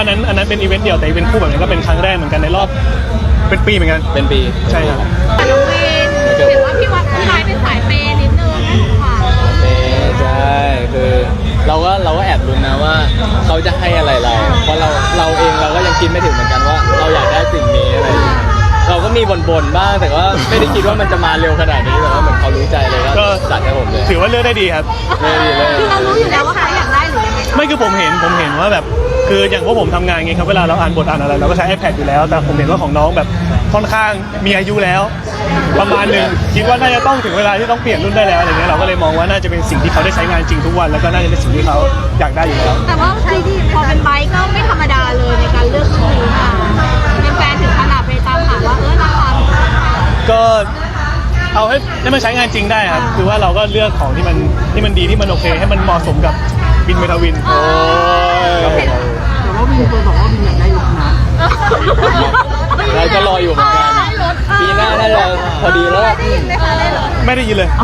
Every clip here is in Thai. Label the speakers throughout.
Speaker 1: อันนั้นเป็นอีเวนต์เดี่ยวแต่อีเวนต์คู่แบบนี้ก็เป็นครั้งแรกเหมือนกันในรอบเป็นปีเหมือนกัน
Speaker 2: เป็นปี
Speaker 1: ใช่ครับ
Speaker 3: น้องวินเห็นว่าพี่นายเป็นสายเปย์นิดนึงค่ะ
Speaker 2: ใช่คือเราก็แอบลุ้นนะว่าเขาจะให้อะไรเราเพราะเราเองเราก็ยังคิดไม่ถึงเหมือนกันว่าเราอยากได้สิ่งนี้อะไรเราก็มีบ่นบ้างแต่ว่าไม่ได้คิดว่ามันจะมาเร็วขนาดนี้แต่ว่าเหมือนเขารู้ใจเลยก็จัดให้ผมเลย
Speaker 1: ถือว่าเลือกได้ดีครับ
Speaker 3: คือเรารู้อยู่แล้วว่าเขาอยากได้หรือยังไง
Speaker 1: ไม่คือผมเห็นว่าแบบคืออย่างพวกผมทำงานไงครับเวลาเราอ่านบทอ่านอะไรเราก็ใช้ iPad อยู่แล้วแต่ผมเห็นว่าของน้องแบบค่อนข้างมีอายุแล้วประมาณนึงคิดว่าน่าจะต้องถึงเวลาที่ต้องเปลี่ยนรุ่นได้แล้วอะไรเงี้ยเราก็เลยมองว่าน่าจะเป็นสิ่งที่เขาได้ใช้งานจริงทุกวันแล้วก็น่าจะเป็นสิ่งที่เขาอยากได้อยู่แล้ว
Speaker 3: แต่ว่าที่พอเป็นไบค์ก็ไม่ธรรมดาเลยในการเลือกรุ่นนี้มาเป็นแฟนถึงขนาดไปตามหาว่าราคา
Speaker 1: ก็เอาให้มันใช้งานจริงได้ครับคือว่าเราก็เลือกของที่มันดีที่มันโอเคให้มันเหมาะสมกับวินเมทาวิน
Speaker 2: โอ้ย
Speaker 4: แต่ว่าวินเคยบอกว่าวินอยากได้รถนะ
Speaker 2: เราก็รออยู่เหมือนกันปีหน้าน่าจะพอดีแล้ว
Speaker 1: ไม่ได้ยินเลย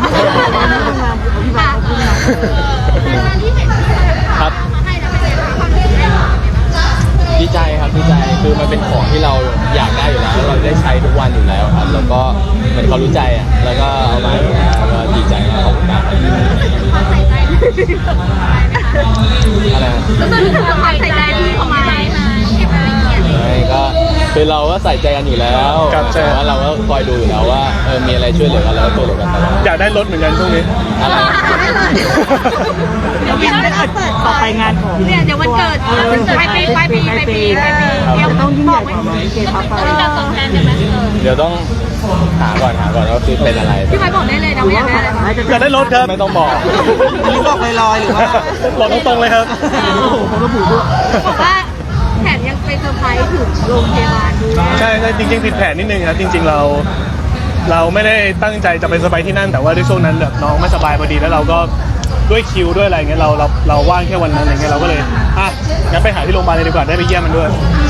Speaker 2: ครับดีใจครับดีใจคือมันเป็นของที่เราอยากได้อยู่แล้วเราได้ใช้ทุกวันอยู่แล้วครับแล้วก็เหมือนเขารู้ใจอ่ะแล้วก็เอามาแล้วก็ดีใจมากขอบคุณมากอะไร
Speaker 3: ก็คือความใส่ใจที่เขามา
Speaker 2: ก็คือเราก็ใส่ใจกันอยู่แล้วแต่ว่าเราก็คอยดูอยู่แล้วว่ามีอะไรช่วยเหลือกันเราก็ช่วยเหลือกันตลอด
Speaker 1: อยากได้รถเหมือนกันช่วงนี้
Speaker 2: อะไร
Speaker 3: เดี๋ยวพี่น้องเปิด
Speaker 4: ต่อไปงานของ
Speaker 3: เนี่ยเดี๋ยววันเกิดปลายปี
Speaker 4: เดี๋ยวต้องยิ่งใหญ่กว่านี้เกทับไป
Speaker 2: เดี๋ยวต้องหาก่อนว่าคือเป็นอะไร
Speaker 3: พี่ไม้บอกได้เลยนะว่าอยากได้อะไร
Speaker 1: อยากได้รถครับ
Speaker 2: ไม่ต้องบอก
Speaker 4: อันนี้บอกลอยๆหรือว่า
Speaker 1: บอกตรงๆเลยครับ
Speaker 4: ผมระบุด้วย
Speaker 3: บอกว่าแถมยังไปเซอร์ไพรส์ถึงโรงพยาบาลด้วย
Speaker 1: ใช่จริงๆผิดแผนนิดนึงครับจริงๆเราไม่ได้ตั้งใจจะไปสบายที่นั่นแต่ว่าด้วยช่วงนั้นแบบน้องไม่สบายพอดีแล้วเราก็ด้วยคิวด้วยอะไรเงี้ยเราว่างแค่วันนั้นอะไรเงี้ยเราก็เลยงั้นไปหาที่โรงพยาบาลเลยดีกว่าได้ไปเยี่ยมมันด้วย